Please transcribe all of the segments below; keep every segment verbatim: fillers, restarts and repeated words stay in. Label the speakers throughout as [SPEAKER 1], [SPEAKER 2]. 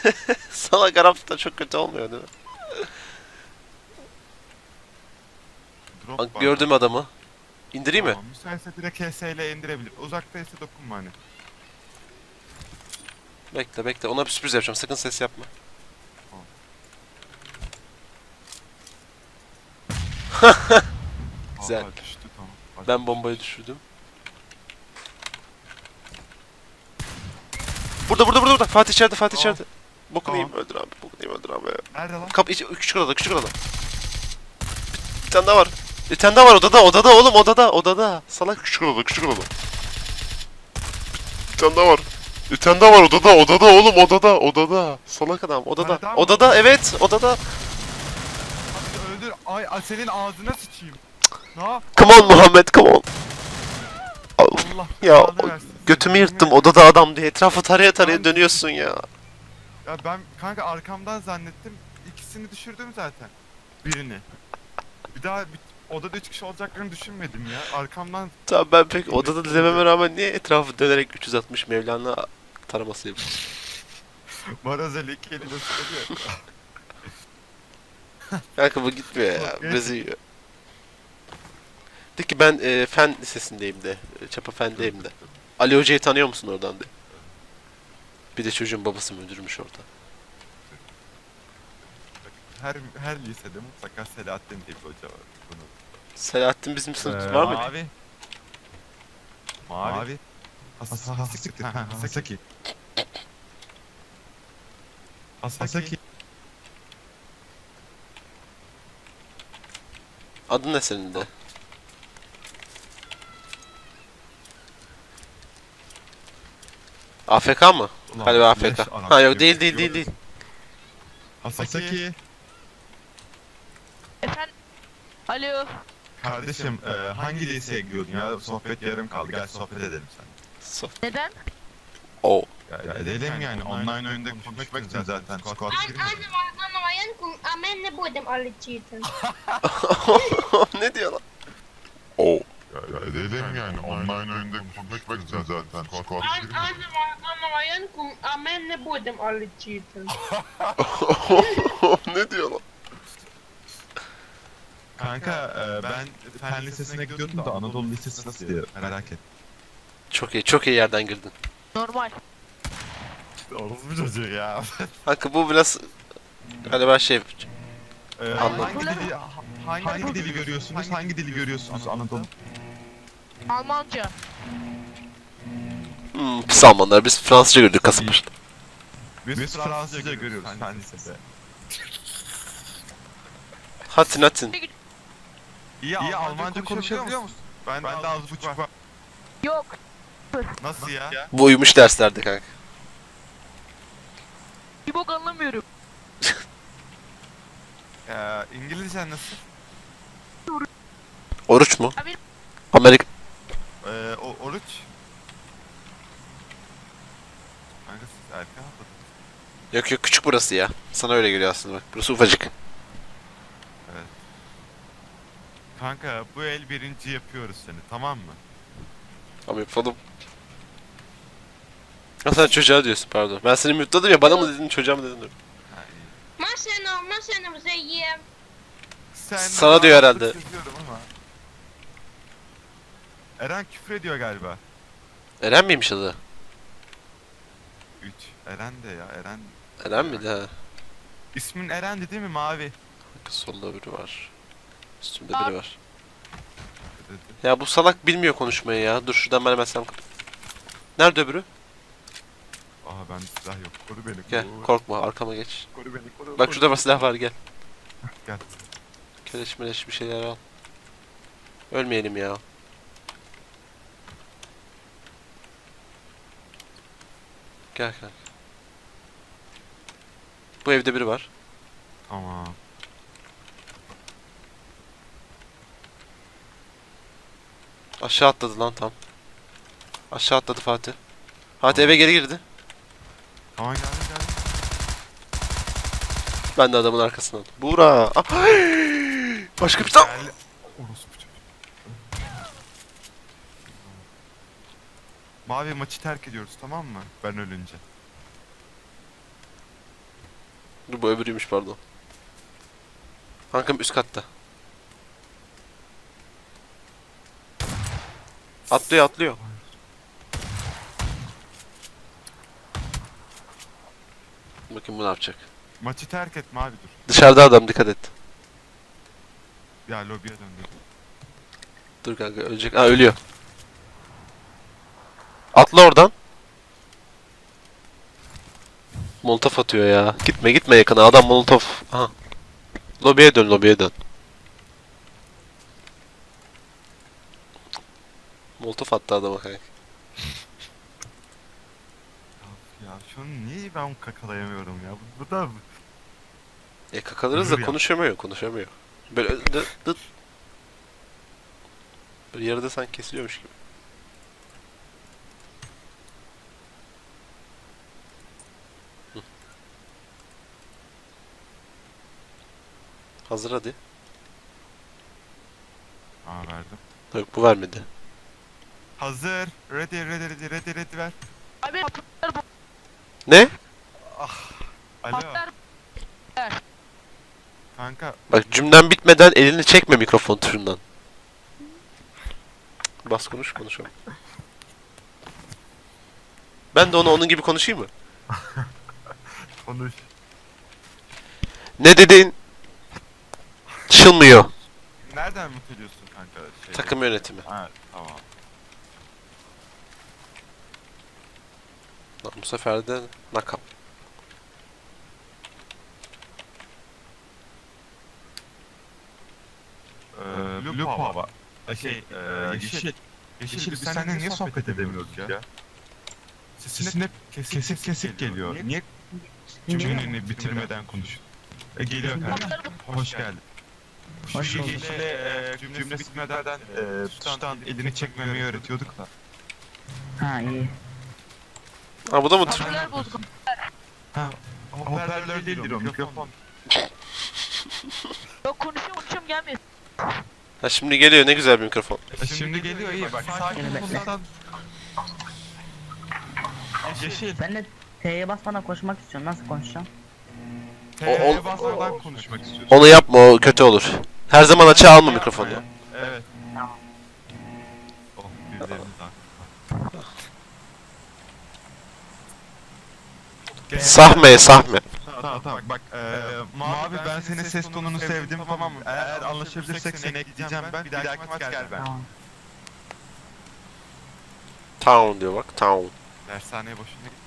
[SPEAKER 1] Salak Arap'ta çok kötü olmuyor değil mi?
[SPEAKER 2] Drop
[SPEAKER 1] Bak
[SPEAKER 2] var.
[SPEAKER 1] gördüm adamı. İndireyim mi?
[SPEAKER 2] Tamam. Müsaitse direkt H S ile indirebilir. Uzaktaysa dokunma hani.
[SPEAKER 1] Bekle bekle. Ona bir sürpriz yapacağım. Sakın ses yapma. Güzel.
[SPEAKER 2] Aa, düştü tamam. Hadi.
[SPEAKER 1] Ben bombayı düşürdüm. Burada burada burada burada. Fatih içeride Fatih
[SPEAKER 2] Tamam.
[SPEAKER 1] içeride. Bokunu
[SPEAKER 2] Tamam.
[SPEAKER 1] yiyeyim öldür abi. Bokunu yiyeyim öldür abi.
[SPEAKER 2] Nerede lan?
[SPEAKER 1] Kapı içi küçük odada küçük odada. Bir tane daha var. Bir tane daha var odada odada oğlum odada odada. Salak küçük odada küçük odada. Bir tane daha var. Bir tane daha var odada odada oğlum odada odada. Salak adam odada.
[SPEAKER 2] Tane daha mı?
[SPEAKER 1] Odada evet odada.
[SPEAKER 2] Hadi öldür. Ay, ay senin ağzına sıçayım. Ne yap?
[SPEAKER 1] Come on Muhammed come on.
[SPEAKER 2] Allah
[SPEAKER 1] Ya
[SPEAKER 2] belanı versin.
[SPEAKER 1] götümü
[SPEAKER 2] Yemin
[SPEAKER 1] yırttım
[SPEAKER 2] ederim.
[SPEAKER 1] odada adam diye etrafı taraya taraya
[SPEAKER 2] Ben-
[SPEAKER 1] dönüyorsun ya.
[SPEAKER 2] Ya ben kanka arkamdan zannettim. İkisini düşürdüm zaten. Birini. Bir daha bir, odada üç kişi olacaklarını düşünmedim ya. Arkamdan
[SPEAKER 1] Tamam ben pek odada dememe rağmen niye etrafı dönerek üç yüz altmış Mevlana taraması yapıyorsun?
[SPEAKER 2] Marazeli iki eliyle sıkılıyor.
[SPEAKER 1] Kanka bu gitmiyor ya.
[SPEAKER 2] Yok,
[SPEAKER 1] Bizi yiyor. De ki ben e, fen lisesindeyim de. e, Çapa fendeyim de. Ali Hoca'yı tanıyor musun oradan de. Bir de çocuğun babası müdürmüş orada.
[SPEAKER 2] Her her lisede mutlaka Selahattin diye bir hoca var. Bunu.
[SPEAKER 1] Selahattin bizim sınıfta
[SPEAKER 2] Ee,
[SPEAKER 1] var mı?
[SPEAKER 2] Mavi. Mavi. Has Hasaki. Ha, Hasaki. Hasaki.
[SPEAKER 1] Adın ne senin de? A F K mı?
[SPEAKER 2] Ulan,
[SPEAKER 1] Galiba A F
[SPEAKER 2] leş
[SPEAKER 1] K.
[SPEAKER 2] Arap
[SPEAKER 1] Ha yok
[SPEAKER 2] gibi
[SPEAKER 1] değil değil
[SPEAKER 2] tutuyor.
[SPEAKER 1] değil değil.
[SPEAKER 2] Hasaki.
[SPEAKER 3] Efendim? Alo.
[SPEAKER 2] Kardeşim e, hangi liseye gidiyordun ya? Sohbet yarım kaldı. Gel sohbet edelim sen.
[SPEAKER 1] So-
[SPEAKER 3] Neden?
[SPEAKER 1] Oh.
[SPEAKER 2] Ya, edelim yani. Online oyunda konuşmak için zaten. Squad
[SPEAKER 4] Ан- Анна, Анна воєнку, а ми не будемо летіти.
[SPEAKER 1] Ne diyor lan? Oh.
[SPEAKER 5] Ya, ya edelim yani online oyunda konuşmak için zaten. Squad
[SPEAKER 4] Ан- Анна, Анна воєнку, а ми не будемо летіти.
[SPEAKER 1] Ne diyor lan?
[SPEAKER 2] Kanka e, ben fen lisesine gidiyordum da Anadolu Lisesi nasıl diye merak ettim.
[SPEAKER 1] Çok iyi çok iyi yerden girdin.
[SPEAKER 3] Normal.
[SPEAKER 2] Orospu çocuğu ya.
[SPEAKER 1] Kanka bu biraz galiba şey
[SPEAKER 2] E,
[SPEAKER 1] Anladım.
[SPEAKER 2] hangi dili hangi, hangi dili görüyorsunuz? Hangi dili görüyorsunuz Anadolu?
[SPEAKER 3] Almanca.
[SPEAKER 1] hmm, pis Almanlar biz Fransızca gördük Kasımpaşa'da.
[SPEAKER 2] Biz, Biz Fransızca görüyoruz fen lisede.
[SPEAKER 1] Hatin hatin.
[SPEAKER 2] İyi, İyi Almanca, Almanca konuşabiliyor musun? Ben, ben de az buçuk var.
[SPEAKER 3] Yok.
[SPEAKER 2] Nasıl ya?
[SPEAKER 1] Bu uyumuş derslerde kanka.
[SPEAKER 3] Bir bok anlamıyorum.
[SPEAKER 2] Ee, İngilizcen nasıl?
[SPEAKER 1] Oruç mu?
[SPEAKER 3] Abi-
[SPEAKER 1] Amerika.
[SPEAKER 2] Ee, o, oruç. Kanka siz erken atladınız.
[SPEAKER 1] Yok yok küçük burası ya. Sana öyle geliyor aslında bak. Burası ufacık.
[SPEAKER 2] Kanka bu el birinci yapıyoruz seni, tamam mı?
[SPEAKER 1] Ama yapalım. Ha sen çocuğa diyorsun pardon. Ben seni mutladım ya bana mı dedin çocuğa mı dedin? Dur.
[SPEAKER 2] Ha, iyi.
[SPEAKER 4] Машину, машину вже є.
[SPEAKER 2] Sen
[SPEAKER 1] Sana diyor herhalde.
[SPEAKER 2] yazıyorum ama. Eren küfür ediyor galiba.
[SPEAKER 1] Eren miymiş adı?
[SPEAKER 2] üç. Eren de ya, Eren.
[SPEAKER 1] Eren miydi ha?
[SPEAKER 2] İsmin Eren'di değil mi Mavi?
[SPEAKER 1] Solda biri var. Üstümde
[SPEAKER 3] Aa.
[SPEAKER 1] biri var.
[SPEAKER 2] Dedi.
[SPEAKER 1] Ya bu salak bilmiyor konuşmayı ya. Dur şuradan ben hemen sen... Nerede öbürü?
[SPEAKER 2] Aha bende silah yok. Koru beni.
[SPEAKER 1] Gel
[SPEAKER 2] koru.
[SPEAKER 1] korkma arkama geç.
[SPEAKER 2] Koru beni, koru.
[SPEAKER 1] Bak
[SPEAKER 2] koru.
[SPEAKER 1] şurada var silah var gel.
[SPEAKER 2] Gel.
[SPEAKER 1] Keleş meleş bir şeyler al. Ölmeyelim ya. Gel kanka. Bu evde biri var.
[SPEAKER 2] Tamam.
[SPEAKER 1] Aşağı atladı lan tam. Aşağı atladı Fatih. Fatih eve geri girdi.
[SPEAKER 2] Tamam geldim geldim.
[SPEAKER 1] Ben de adamın arkasından. Buğra. Ah! Başka bir tane.
[SPEAKER 2] Gel. Orospu çocuğu. Mavi maçı terk ediyoruz tamam mı? Ben ölünce.
[SPEAKER 1] Dur, bu öbürüymüş pardon. Kankam üst katta. Atlıyor atlıyor. Bakın bu ne yapacak.
[SPEAKER 2] Maçı terk etme abi dur.
[SPEAKER 1] Dışarıda adam, dikkat et.
[SPEAKER 2] Ya lobiye döndü.
[SPEAKER 1] Dur kanka, ölecek. Ha, ölüyor. Atla oradan. Molotof atıyor ya. Gitme gitme yakına, adam molotof. Aha. Lobiye dön, lobiye dön. Molotof attı adama kanka.
[SPEAKER 2] Ya şunu niye ben kakalayamıyorum ya? Bu, bu da
[SPEAKER 1] E kakalarız da
[SPEAKER 2] Yürü ya.
[SPEAKER 1] konuşamıyor, konuşamıyor. Böyle dı, dı. Böyle yarıda sanki kesiliyormuş gibi. Hı. Hazır hadi.
[SPEAKER 2] Aa verdim.
[SPEAKER 1] Yok, bu vermedi.
[SPEAKER 2] Hazır. Ready ready ready ready ready ver.
[SPEAKER 3] Abi patlar bu.
[SPEAKER 1] Ne?
[SPEAKER 2] Alo.
[SPEAKER 3] Patlar.
[SPEAKER 2] Kanka
[SPEAKER 1] Bak, cümlen bitmeden elini çekme mikrofon tuşundan. Bas konuş, konuşalım. Ben de ona onun gibi konuşayım mı?
[SPEAKER 2] konuş.
[SPEAKER 1] Ne dedin? Çılmıyor.
[SPEAKER 2] Nereden mut ediyorsun kanka? Şey,
[SPEAKER 1] Takım yönetimi.
[SPEAKER 2] Ha tamam.
[SPEAKER 1] Lan bu sefer de nakam.
[SPEAKER 2] Ee, Blue Pava. Ee, Şey, e, yeşil. Yeşil biz seninle niye sohbet edemiyoruz ya? Sesin hep kesik kesik, geliyor. Niye cümleni bitirmeden konuş? E, geliyor kanka.
[SPEAKER 3] Patlar bu.
[SPEAKER 2] Hoş geldin.
[SPEAKER 6] Hoş
[SPEAKER 2] Şu
[SPEAKER 6] bulduk.
[SPEAKER 2] yeşile e, cümle bitmeden e, tuştan elini çekmemeyi öğretiyorduk da.
[SPEAKER 6] Ha iyi.
[SPEAKER 1] Ha, bu da mı tır?
[SPEAKER 3] Patlar bozuk.
[SPEAKER 2] Hoparlör değildir o, mikrofon.
[SPEAKER 3] Yok konuşuyorum konuşuyorum gelmiyor.
[SPEAKER 1] Ha, şimdi geliyor, ne güzel bir mikrofon.
[SPEAKER 2] E, Şimdi geliyor iyi bak. Sakin
[SPEAKER 6] Gene bekle.
[SPEAKER 2] olsan. Yeşil.
[SPEAKER 6] Ben de T'ye basmadan koşmak istiyorum. Nasıl konuşacağım?
[SPEAKER 2] T'ye basmadan konuşmak istiyorsun.
[SPEAKER 1] Onu yapma, o kötü olur. Her zaman açığa alma mikrofonu.
[SPEAKER 2] Evet.
[SPEAKER 6] Tamam.
[SPEAKER 2] Oh, birilerimiz
[SPEAKER 1] Sahme, sahme.
[SPEAKER 2] Tamam tamam bak eee Mavi ben senin ses tonunu sevdim tamam mı? Eğer anlaşabilirsek seni ekleyeceğim ben bir dahaki maç gel ben.
[SPEAKER 6] Tamam.
[SPEAKER 1] Town diyor bak, town.
[SPEAKER 2] Dershaneye boşuna git.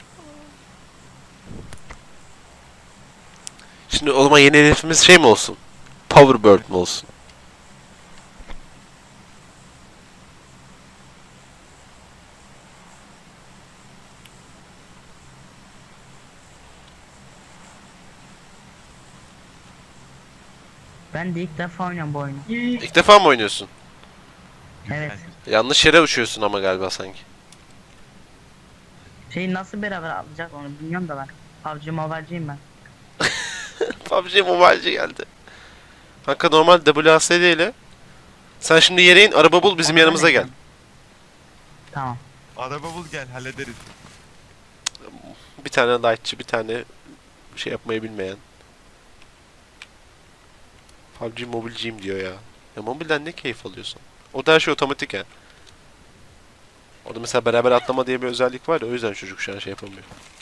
[SPEAKER 1] Şimdi o zaman yeni hedefimiz şey mi olsun? Powerbird mi olsun?
[SPEAKER 6] Ben de ilk defa oynuyorum bu oyunu.
[SPEAKER 1] İlk defa mı oynuyorsun?
[SPEAKER 6] Evet.
[SPEAKER 1] Yanlış yere uçuyorsun ama galiba sanki.
[SPEAKER 6] Şeyi nasıl beraber alacak onu bilmiyorum da ben. P U B G Mobile'ciyim ben.
[SPEAKER 1] P U B G Mobile'ci geldi. Kanka normal W A S D ile. Sen şimdi yere in, araba bul, bizim
[SPEAKER 6] Onu
[SPEAKER 1] yanımıza
[SPEAKER 6] ben
[SPEAKER 1] gel.
[SPEAKER 6] ekledim. Tamam.
[SPEAKER 2] Araba bul gel hallederiz.
[SPEAKER 1] Bir tane lightçı, bir tane şey yapmayı bilmeyen. P U B G mobilciyim diyor ya. Ya mobilden ne keyif alıyorsun? O da her şey otomatik ya. Orada mesela beraber atlama diye bir özellik var ya, o yüzden çocuk şu an şey yapamıyor.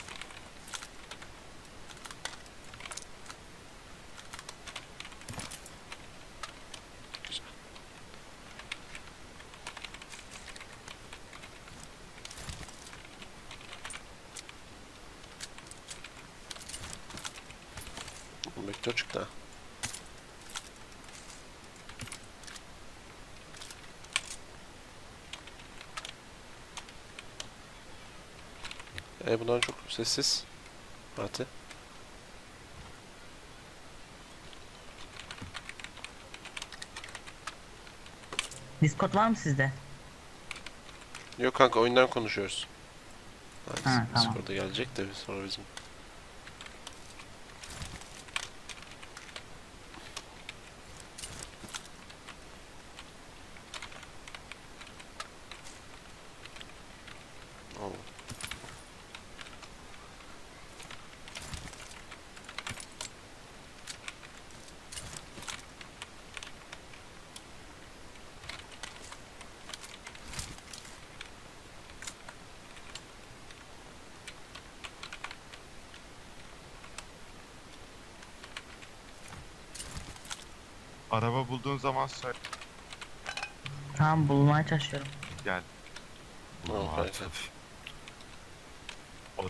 [SPEAKER 1] Güzel. Vektör çıktı ha. E bundan çok sessiz. Fatih.
[SPEAKER 6] Discord var mı sizde?
[SPEAKER 1] Yok kanka, oyundan konuşuyoruz. Hadi,
[SPEAKER 6] Ha, tamam.
[SPEAKER 1] Discord'a gelecek de sonra bizim. Oo.
[SPEAKER 2] araba bulduğun zaman söyle.
[SPEAKER 6] Tamam bulmaya çalışıyorum.
[SPEAKER 2] Gel.
[SPEAKER 1] Tamam
[SPEAKER 2] Aa,
[SPEAKER 1] kanka.
[SPEAKER 2] Olur.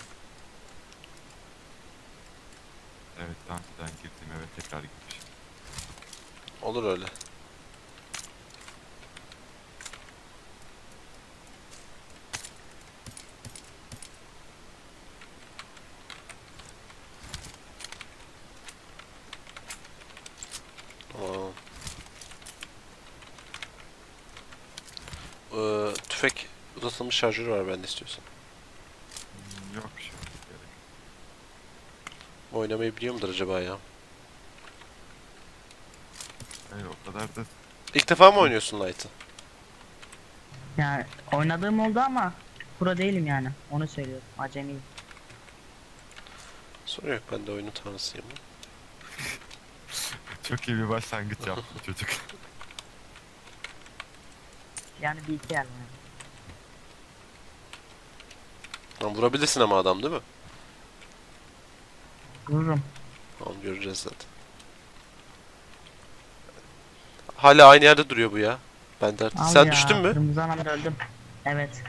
[SPEAKER 2] Evet, daha önceden girdim eve tekrar gitmişim.
[SPEAKER 1] Olur öyle. Tamam. Ee, tüfek uzatılmış şarjörü var bende istiyorsan.
[SPEAKER 2] Hmm, Yok bir şey. Gerek.
[SPEAKER 1] Oynamayı biliyor mudur acaba ya?
[SPEAKER 2] Hayır, o kadar da
[SPEAKER 1] İlk defa mı oynuyorsun Light'ı?
[SPEAKER 6] Yani oynadığım oldu ama pro değilim yani. Onu söylüyorum. Acemiyim.
[SPEAKER 1] Sorun yok, ben de oyunun tanrısıyım.
[SPEAKER 2] çok iyi bir başlangıç yaptı çocuk.
[SPEAKER 6] Yani bir iki yer yani.
[SPEAKER 1] Tamam, vurabilirsin ama adam değil mi?
[SPEAKER 6] Vururum.
[SPEAKER 1] Tamam, göreceğiz zaten. Hala aynı yerde duruyor bu ya. Ben de artık.
[SPEAKER 6] Al
[SPEAKER 1] Sen
[SPEAKER 6] ya,
[SPEAKER 1] düştün mü?
[SPEAKER 6] Kırmızı anamda öldüm. Evet.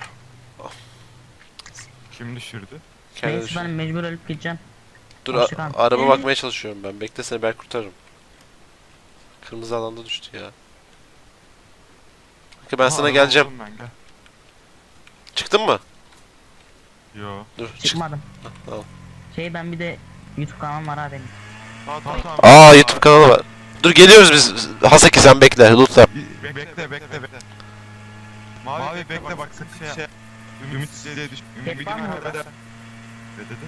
[SPEAKER 2] Kim düşürdü?
[SPEAKER 1] Kendine
[SPEAKER 6] Neyse
[SPEAKER 1] düştün.
[SPEAKER 6] ben mecbur ölüp gideceğim.
[SPEAKER 1] Dur,
[SPEAKER 6] Hoşça
[SPEAKER 1] a-
[SPEAKER 6] kal.
[SPEAKER 1] araba bakmaya çalışıyorum ben. Bekle, seni ben kurtarırım. Kırmızı alanda düştü ya. Bakın ben
[SPEAKER 2] Aha,
[SPEAKER 1] sana
[SPEAKER 2] araba
[SPEAKER 1] geleceğim.
[SPEAKER 2] buldum Ben, gel.
[SPEAKER 1] Çıktın mı?
[SPEAKER 2] Yo.
[SPEAKER 1] Dur, çık.
[SPEAKER 6] Çıkmadım.
[SPEAKER 1] Tamam.
[SPEAKER 6] Şey ben bir de YouTube kanalım var ha benim.
[SPEAKER 2] Tamam, tamam, tamam.
[SPEAKER 1] Aa, YouTube kanalı var. Dur, geliyoruz biz. Hasaki sen bekle. Lütfen.
[SPEAKER 2] Be- bekle bekle bekle. Mavi, Mavi bekle, bak sakın şey. Ümitsizliğe düş. Ümidini
[SPEAKER 6] var mı orada?
[SPEAKER 2] kaybeder. Ne dedi?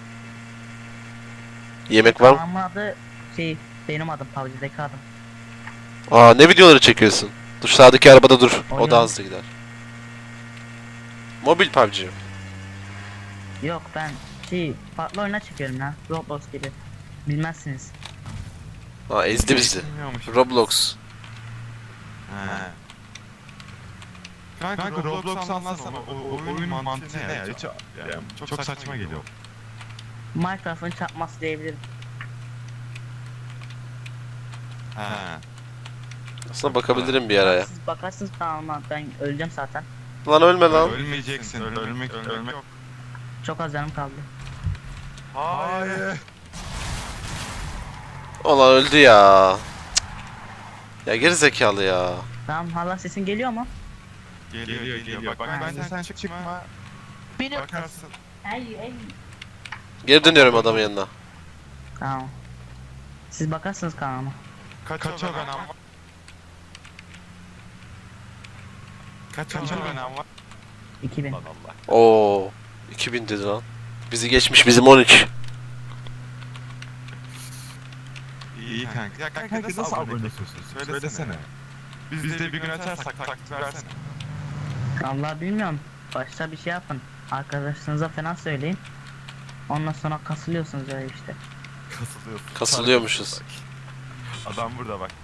[SPEAKER 1] Yemek var mı?
[SPEAKER 6] Kanalımın adı şey benim adım P U B G'deki adım.
[SPEAKER 1] Aa, ne videoları çekiyorsun? Dur, sağdaki arabada dur. O
[SPEAKER 6] Oyun.
[SPEAKER 1] da hızlı gider. Mobil P U B G.
[SPEAKER 6] Yok ben şey farklı oyuna çekiyorum ya. Roblox gibi. Bilmezsiniz.
[SPEAKER 1] Aa, ezdi bizi.
[SPEAKER 2] Bilmiyormuş.
[SPEAKER 1] Roblox.
[SPEAKER 2] He. Kanka, Kanka Roblox anlatsana. O, o oyun mantığı ne ya? Hiç, yani çok, çok saçma geliyor.
[SPEAKER 6] Minecraft'ın çarpması diyebilirim.
[SPEAKER 2] He.
[SPEAKER 1] Aslında bakabilirim bir ara ya.
[SPEAKER 6] Siz bakarsınız kanalıma ben öleceğim zaten.
[SPEAKER 1] Lan ölme lan.
[SPEAKER 2] Ölmeyeceksin. Ölmek, ölmek, ölmek yok.
[SPEAKER 6] Çok az canım kaldı.
[SPEAKER 2] Hayır.
[SPEAKER 1] Ulan öldü ya. Cık. Ya geri zekalı ya.
[SPEAKER 6] Tamam hala sesin geliyor mu?
[SPEAKER 2] Geliyor, geliyor, geliyor. Bak, bence sen çık, çıkma.
[SPEAKER 3] Beni
[SPEAKER 2] Bakarsın.
[SPEAKER 6] Ey ey.
[SPEAKER 1] Geri dönüyorum adamın yanına.
[SPEAKER 6] Tamam. Siz bakarsınız kanalıma.
[SPEAKER 2] Kaç, Kaç o benim var? Kaç o benim var?
[SPEAKER 6] iki bin.
[SPEAKER 2] Allah Allah.
[SPEAKER 1] Oo, iki bin dedi lan. Bizi geçmiş, bizim on üç.
[SPEAKER 2] İyi kanka. Ya kanka, nasıl, nasıl abone oluyorsun? Söylesene. Söylesene. Biz, Biz de bir gün açarsak taktik versene.
[SPEAKER 6] Allah bilmiyorum. Başta bir şey yapın. Arkadaşlarınıza falan söyleyin. Ondan sonra kasılıyorsunuz öyle işte.
[SPEAKER 2] Kasılıyorsun.
[SPEAKER 1] Kasılıyormuşuz.
[SPEAKER 2] Adam burada bak.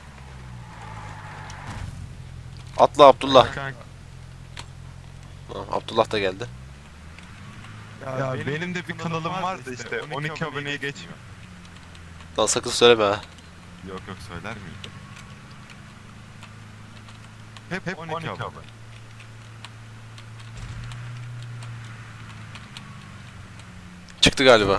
[SPEAKER 1] Atla Abdullah.
[SPEAKER 2] Kanka.
[SPEAKER 1] Tamam, Abdullah da geldi.
[SPEAKER 2] Ya, ya benim, benim de bir kanalım vardı işte. on iki aboneye geçmiyor.
[SPEAKER 1] Lan sakın söyleme ha.
[SPEAKER 2] Yok yok, söyler miyim? Hep hep on iki abone.
[SPEAKER 1] Çıktı galiba.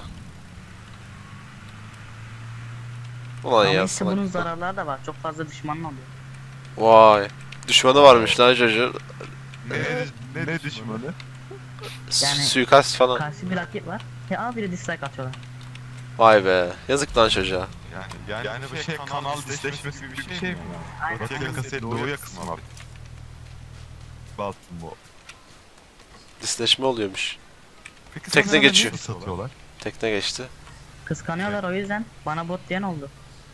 [SPEAKER 1] Ulan
[SPEAKER 6] Ama
[SPEAKER 1] ya
[SPEAKER 6] işte
[SPEAKER 1] salak.
[SPEAKER 6] bunun zararları da var. Çok fazla düşmanın oluyor.
[SPEAKER 1] Vay. Düşmanı varmış lan çocuğun.
[SPEAKER 2] Ne, ne, ne düşmanı?
[SPEAKER 1] S-
[SPEAKER 6] Yani-
[SPEAKER 1] Suikast falan.
[SPEAKER 6] Karşı bir rakip var. Ya abi biri dislike atıyorlar.
[SPEAKER 1] Vay be. Yazık lan çocuğa.
[SPEAKER 2] Yani, yani, yani bu şey kanal disleşmesi gibi bir şey mi?
[SPEAKER 6] Aynen.
[SPEAKER 2] Batı yakası doğu yakası mı abi? Baltın bu.
[SPEAKER 1] Disleşme oluyormuş.
[SPEAKER 2] Peki
[SPEAKER 1] Tekne
[SPEAKER 2] sana
[SPEAKER 1] geçiyor.
[SPEAKER 2] ne satıyorlar?
[SPEAKER 1] Tekne geçti.
[SPEAKER 6] Kıskanıyorlar o yüzden. Bana bot diyen oldu.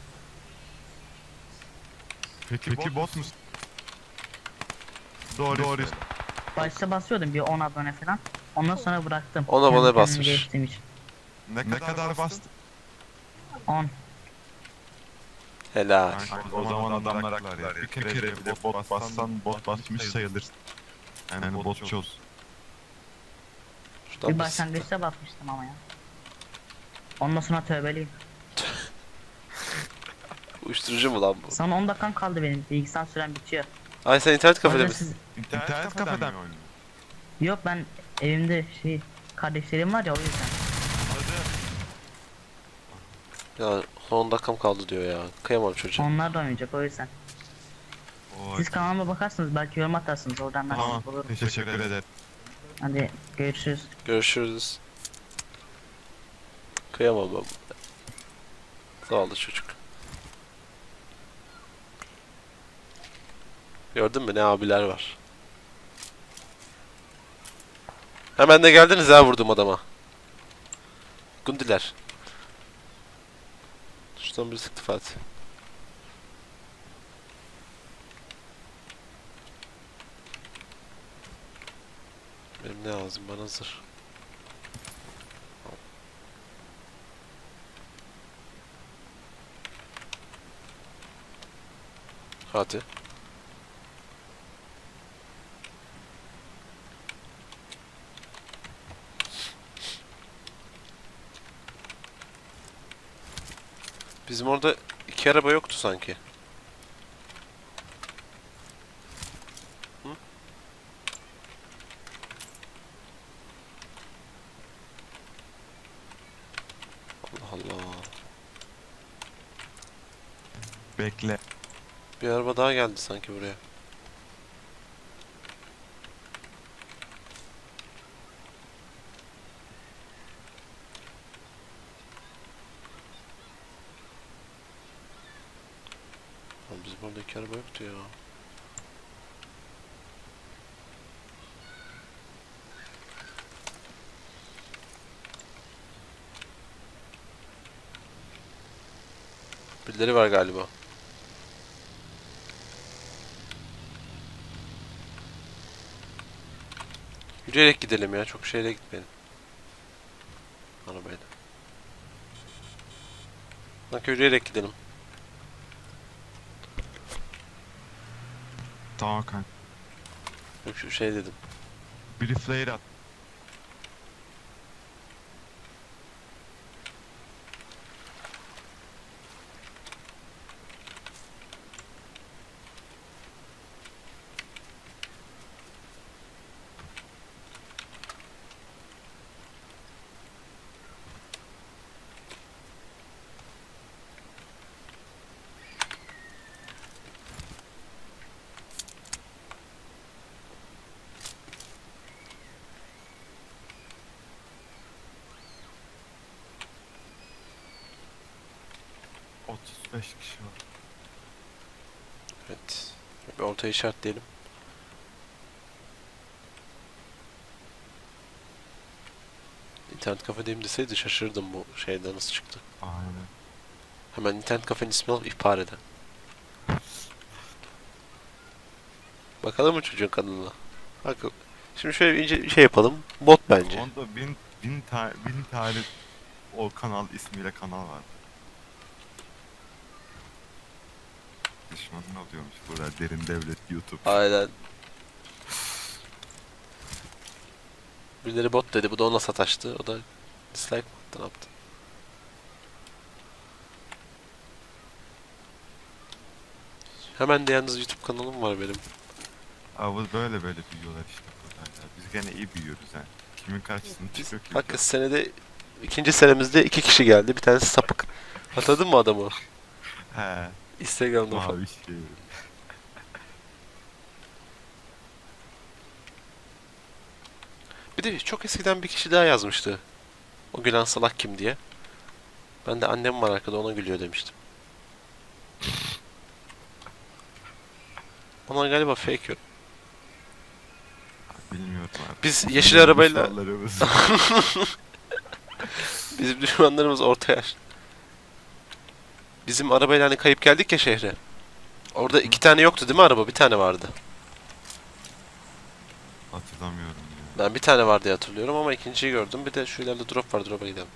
[SPEAKER 2] Peki, Peki bot musun? Doğru. Doğru.
[SPEAKER 6] Başta basıyordum bir on abone falan. Ondan sonra bıraktım.
[SPEAKER 1] on abone
[SPEAKER 6] Kendi kendimi
[SPEAKER 1] basmış.
[SPEAKER 6] geliştirdiğim için.
[SPEAKER 2] Ne, ne kadar bastın?
[SPEAKER 6] on.
[SPEAKER 1] Helal.
[SPEAKER 2] Kanka, o zaman adamlar haklılar ya. Bir kere, kere bile bot bassan bot basmış sayılırsın. Yani botçuz.
[SPEAKER 1] Şuradan
[SPEAKER 6] Bir
[SPEAKER 1] biz-
[SPEAKER 6] başlangıçta basmıştım ama ya. Ondan sonra tövbeliyim.
[SPEAKER 1] Uyuşturucu mu lan bu?
[SPEAKER 6] Son on dakikam kaldı benim. Bilgisayar sürem bitiyor.
[SPEAKER 1] Ay sen internet
[SPEAKER 6] O
[SPEAKER 1] kafede
[SPEAKER 6] yüzden
[SPEAKER 1] misin?
[SPEAKER 6] siz...
[SPEAKER 2] İnternet kafeden mi oynuyor?
[SPEAKER 6] Yok ben evimde şey kardeşlerim var ya o yüzden.
[SPEAKER 1] Ya son on dakikam kaldı diyor ya. Kıyamam çocuğa.
[SPEAKER 6] Onlar da oynayacak o yüzden.
[SPEAKER 2] Oy.
[SPEAKER 6] Siz kanalıma bakarsınız belki yorum atarsınız oradan ben
[SPEAKER 2] Tamam,
[SPEAKER 6] bulurum.
[SPEAKER 2] teşekkür ederim.
[SPEAKER 6] Hadi görüşürüz.
[SPEAKER 1] Görüşürüz. Kıyamam ben. Zavallı çocuk. Gördün mü ne abiler var. Hemen de geldiniz ha vurdum adama. Gundiler. Şuradan bir sıktı Fatih. Benim ne lazım bana zırh. Hadi. Bizim orada iki araba yoktu sanki. Hı? Allah Allah.
[SPEAKER 2] Bekle.
[SPEAKER 1] Bir araba daha geldi sanki buraya. Lan bizim orada iki araba yoktu ya. Birileri var galiba. Yürüyerek gidelim ya. Çok şeyle gitmeyelim. Arabayla. Bak yürüyerek gidelim.
[SPEAKER 2] Tamam kanka.
[SPEAKER 1] Yok şu şey dedim.
[SPEAKER 2] Biri flare at. otuz beş kişi var.
[SPEAKER 1] Evet. Bir ortaya işaretleyelim. İnternet kafedeyim deseydi şaşırdım bu şeyden nasıl çıktı.
[SPEAKER 2] Aynen.
[SPEAKER 1] Hemen internet kafenin ismini alıp ihbar eden. Bakalım mı çocuğun kanalına? Bak, şimdi şöyle bir ince şey yapalım. Bot bence.
[SPEAKER 2] Onda bin, bin, ta bin tane o kanal ismiyle kanal var. Düşmanın oluyormuş burada derin devlet YouTube.
[SPEAKER 1] Aynen. Birileri bot dedi. Bu da ona sataştı. O da dislike mi attı, ne yaptı? Hemen de yalnız YouTube kanalım var benim.
[SPEAKER 2] Abi böyle böyle büyüyorlar işte burada. Ya. Biz gene iyi büyüyoruz yani. Kimin karşısında
[SPEAKER 1] Biz
[SPEAKER 2] çıkıyor ki?
[SPEAKER 1] hakikaten senede ikinci senemizde iki kişi geldi. Bir tanesi sapık. Hatırladın mı adamı?
[SPEAKER 2] He.
[SPEAKER 1] Instagram'da falan.
[SPEAKER 2] Mavi şey.
[SPEAKER 1] Bir de çok eskiden bir kişi daha yazmıştı. O gülen salak kim diye. Ben de annem var arkada ona gülüyor demiştim. Onlar galiba fake yok.
[SPEAKER 2] Bilmiyorum abi.
[SPEAKER 1] Biz yeşil arabayla
[SPEAKER 2] Düşmanlarımız.
[SPEAKER 1] bizim düşmanlarımız orta yaş. Bizim arabayla hani kayıp geldik ya şehre. Orada iki tane yoktu değil mi araba? Bir tane vardı.
[SPEAKER 2] Hatırlamıyorum ya.
[SPEAKER 1] Ben bir tane var diye hatırlıyorum ama ikinciyi gördüm. Bir de şu ileride drop var. Drop'a gidelim.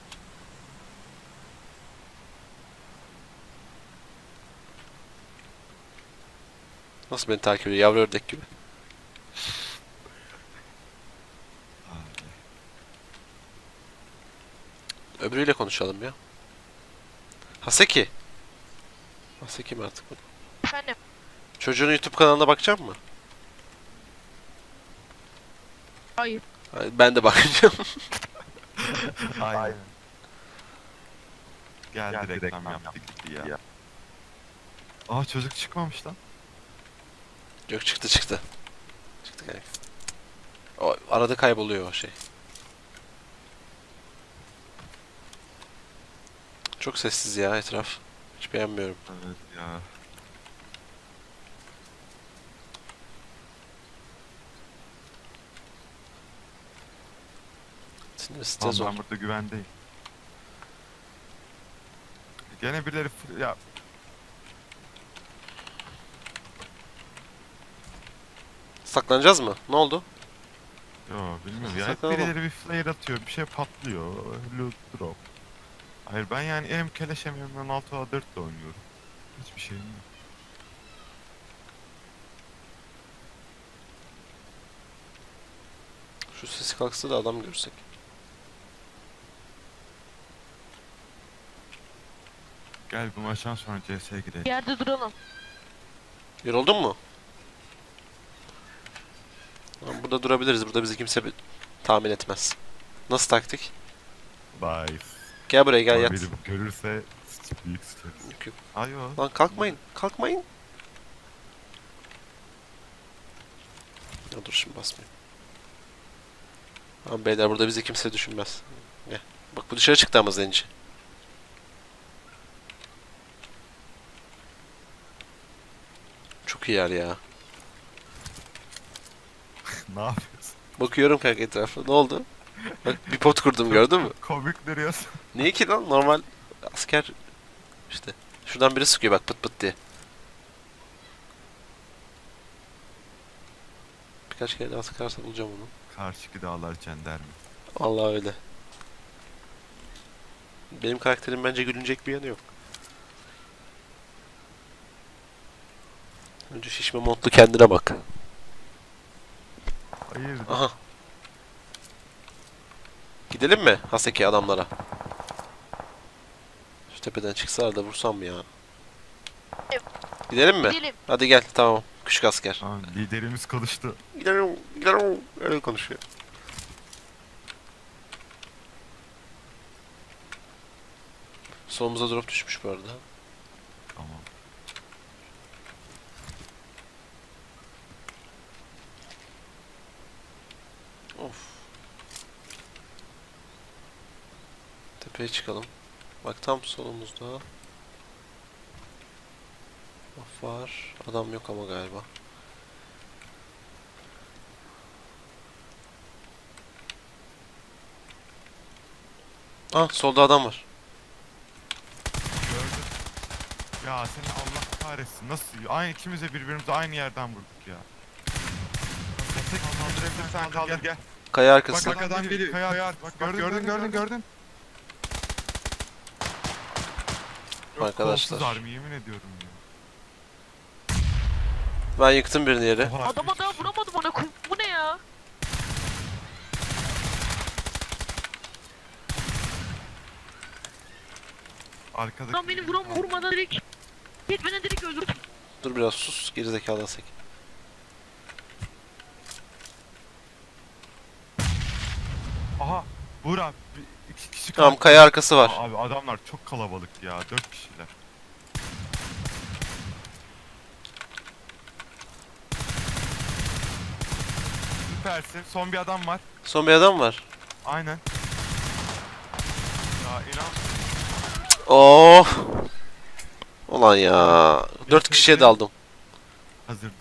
[SPEAKER 1] Nasıl beni takip ediyor? Yavru ördek gibi.
[SPEAKER 2] Abi.
[SPEAKER 1] Öbürüyle konuşalım ya. Haseki. Nasıl kim artık bu?
[SPEAKER 3] Efendim.
[SPEAKER 1] Çocuğun YouTube kanalına bakacak mı?
[SPEAKER 3] Hayır.
[SPEAKER 1] Ben de bakacağım.
[SPEAKER 2] Aynen. Geldi, Geldi reklam yaptı gitti ya. ya. Aa çocuk çıkmamış lan.
[SPEAKER 1] Yok çıktı çıktı. Çıktı kanka. O arada kayboluyor o şey. Çok sessiz ya etraf. Hiç beğenmiyorum.
[SPEAKER 2] Evet ya.
[SPEAKER 1] Sinir stres
[SPEAKER 2] Tamam
[SPEAKER 1] zor.
[SPEAKER 2] ben burada güvendeyim. Gene birileri fır- ya
[SPEAKER 1] Saklanacağız mı? Ne oldu?
[SPEAKER 2] yo bilmiyorum ya hep
[SPEAKER 1] Saklanalım.
[SPEAKER 2] birileri bir flare atıyor bir şey patlıyor. Loot drop. Hayır ben yani hem keleş hem M on altı A dört de oynuyorum. Hiçbir şeyim yok.
[SPEAKER 1] Şu sesi kalksa da adam görsek.
[SPEAKER 2] Gel bu maçtan sonra C S'ye gidelim.
[SPEAKER 3] Bir yerde duralım.
[SPEAKER 1] Yoruldun mu? Tamam, burada durabiliriz. Burada bizi kimse bir- tahmin etmez. Nasıl taktik?
[SPEAKER 2] Bye.
[SPEAKER 1] Gel buraya gel yat.
[SPEAKER 2] Biri görürse büyük sıçarız.
[SPEAKER 1] Yok, yok.
[SPEAKER 2] Ayo.
[SPEAKER 1] Lan kalkmayın. Kalkmayın. Ya dur şimdi basmayayım. Tamam beyler burada bizi kimse düşünmez. Gel. Bak bu dışarı çıktı ama zenci. Çok iyi yer ya.
[SPEAKER 2] Ne yapıyorsun?
[SPEAKER 1] Bakıyorum kanka etrafa. Ne oldu? Bak bir pot kurdum gördün mü?
[SPEAKER 2] Komik duruyorsun.
[SPEAKER 1] Niye ki lan? Normal asker işte. Şuradan biri sıkıyor bak pıt pıt diye. Birkaç kere daha sıkarsa bulacağım onu.
[SPEAKER 2] Karşıki dağlar cenderme.
[SPEAKER 1] Vallahi öyle. Benim karakterim bence gülünecek bir yanı yok. Önce şişme montlu kendine bak.
[SPEAKER 2] Hayır.
[SPEAKER 1] Aha. Gidelim mi Haseki adamlara? Şu tepeden çıksalar da vursam mı ya? Gidelim mi?
[SPEAKER 3] Gidelim.
[SPEAKER 1] Hadi gel tamam. Küçük asker.
[SPEAKER 2] Aa, liderimiz konuştu.
[SPEAKER 1] Gidelim, gidelim. Öyle konuşuyor. Solumuza drop düşmüş bu arada.
[SPEAKER 2] Tamam.
[SPEAKER 1] Of. Tepeye çıkalım. Bak tam solumuzda. Of var. Adam yok ama galiba. Ah solda adam var.
[SPEAKER 2] Gördüm. Ya seni Allah kahretsin. Nasıl? Aynı ikimiz de birbirimize aynı yerden vurduk ya. Tek kaldırabilirsen kaldır gel.
[SPEAKER 1] Kaya
[SPEAKER 2] Bak
[SPEAKER 1] arkasında.
[SPEAKER 2] bak adam geliyor. Kaya, bak gördün gördün gördün gördün. Yok,
[SPEAKER 1] Arkadaşlar.
[SPEAKER 2] kolsuz harbi yemin ediyorum ya.
[SPEAKER 1] Ben yıktım birini yere.
[SPEAKER 2] Oha,
[SPEAKER 3] Adama
[SPEAKER 2] üç
[SPEAKER 3] daha
[SPEAKER 2] kişi.
[SPEAKER 3] vuramadım ona. koy- Bu ne ya?
[SPEAKER 2] Arkadaki.
[SPEAKER 3] Adam beni vuram vurmadan direkt. Git beni direkt öldür.
[SPEAKER 1] Dur biraz sus. Gerizekalı Haseki.
[SPEAKER 2] Aha. Vur abi. bir- iki kişi
[SPEAKER 1] Tamam
[SPEAKER 2] kaldı.
[SPEAKER 1] kaya arkası var.
[SPEAKER 2] Abi adamlar çok kalabalık ya. Dört kişiler. Süpersin. Son bir adam var.
[SPEAKER 1] Son bir adam var.
[SPEAKER 2] Aynen. Ya inan.
[SPEAKER 1] Oh. Ulan ya. Dört kişiye daldım.
[SPEAKER 2] Hazır